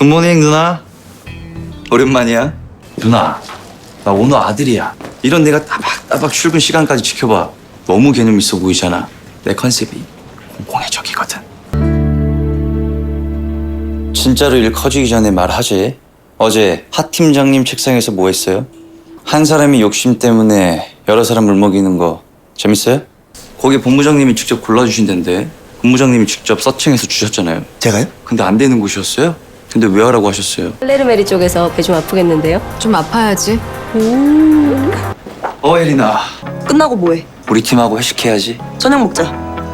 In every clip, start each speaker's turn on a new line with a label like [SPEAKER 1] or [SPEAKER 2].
[SPEAKER 1] 굿모닝 누나. 오랜만이야. 누나, 나 오늘 아들이야. 이런 내가 따박따박 출근 시간까지 지켜봐. 너무 개념 있어 보이잖아. 내 컨셉이 공공의적이거든. 진짜로 일 커지기 전에 말하지. 어제 하 팀장님 책상에서 뭐 했어요? 한 사람이 욕심 때문에 여러 사람 물먹이는 거 재밌어요? 거기 본부장님이 직접 골라주신다는데 본부장님이 직접 서칭해서 주셨잖아요.
[SPEAKER 2] 제가요?
[SPEAKER 1] 근데 안 되는 곳이었어요? 근데 왜 하라고 하셨어요?
[SPEAKER 3] 플레르메리 쪽에서 배 좀 아프겠는데요?
[SPEAKER 4] 좀 아파야지.
[SPEAKER 1] 에리나,
[SPEAKER 5] 끝나고 뭐해?
[SPEAKER 1] 우리 팀하고 회식해야지.
[SPEAKER 5] 저녁 먹자.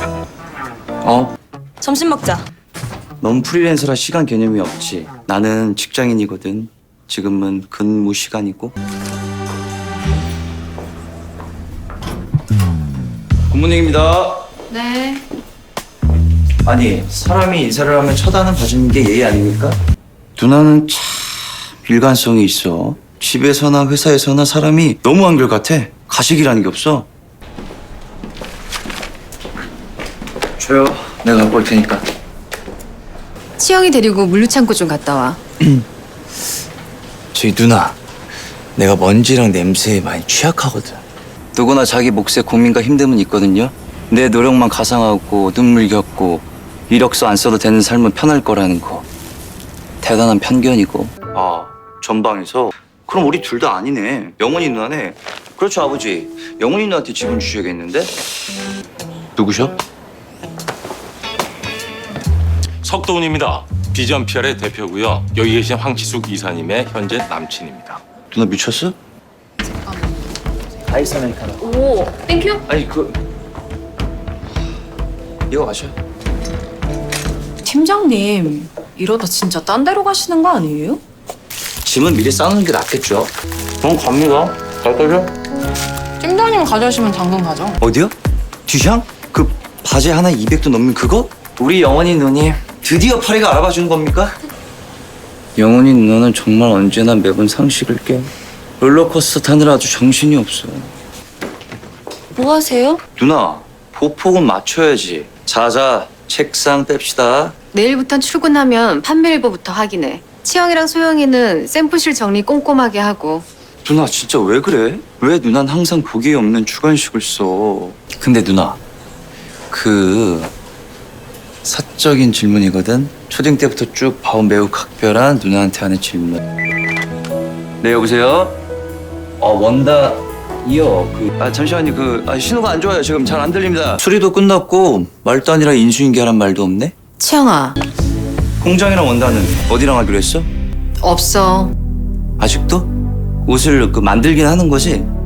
[SPEAKER 5] 점심 먹자.
[SPEAKER 1] 넌 프리랜서라 시간 개념이 없지. 나는 직장인이거든. 지금은 근무 시간이고. 굿모닝입니다.
[SPEAKER 4] 네.
[SPEAKER 1] 아니, 사람이 인사를 하면 쳐다는 봐주는 게 예의 아닙니까? 누나는 참 일관성이 있어. 집에서나 회사에서나 사람이 너무 한결같아. 가식이라는 게 없어. 줘요. 내가 갖고 올 테니까.
[SPEAKER 4] 치영이 데리고 물류창고 좀 갔다 와.
[SPEAKER 1] 저기 누나, 내가 먼지랑 냄새에 많이 취약하거든. 누구나 자기 몫에 고민과 힘듦은 있거든요. 내 노력만 가상하고 눈물 겪고 이력서 안 써도 되는 삶은 편할 거라는 거 대단한 편견이고. 아, 전방에서? 그럼 우리 둘 다 아니네. 영훈이 누나네. 그렇죠, 아버지. 영훈이 누나한테 지분 주셔야겠는데? 누구셔?
[SPEAKER 6] 석도훈입니다. 비전 PR의 대표고요. 여기 계신 황치숙 이사님의 현재 남친입니다.
[SPEAKER 1] 누나 미쳤어? 아이스 아메리카노.
[SPEAKER 4] 오, 땡큐.
[SPEAKER 1] 아니 이거 마셔.
[SPEAKER 5] 팀장님, 이러다 진짜 딴 데로 가시는 거 아니에요?
[SPEAKER 1] 짐은 미리 싸놓는 게 낫겠죠. 갑니다. 잘 떠죠?
[SPEAKER 4] 팀장님 가져오시면 당근 가져.
[SPEAKER 1] 어디요? 뒤샹? 그 바지 하나에 200도 넘는 그거? 우리 영원히 누님 드디어 파리가 알아봐 주는 겁니까? 영원히 누나는 정말 언제나 매번 상식을 깨. 롤러코스터 타느라 아주 정신이 없어.
[SPEAKER 5] 뭐 하세요?
[SPEAKER 1] 누나, 보폭은 맞춰야지. 자자, 책상 뺍시다.
[SPEAKER 4] 내일부터 출근하면 판매일보부터 확인해. 치영이랑 소영이는 샘플실 정리 꼼꼼하게 하고.
[SPEAKER 1] 누나 진짜 왜 그래? 왜 누난 항상 보기에 없는 주관식을 써? 근데 누나, 그 사적인 질문이거든. 초딩 때부터 쭉 봐온 매우 각별한 누나한테 하는 질문. 네, 여보세요? 원다이요. 잠시만요. 신호가 안 좋아요. 지금 잘 안 들립니다. 수리도 끝났고 말도 아니라 인수인계하란 말도 없네.
[SPEAKER 4] 치영아,
[SPEAKER 1] 공장이랑 원다는 어디랑 하기로 했어?
[SPEAKER 4] 없어.
[SPEAKER 1] 아직도? 옷을 만들긴 하는 거지?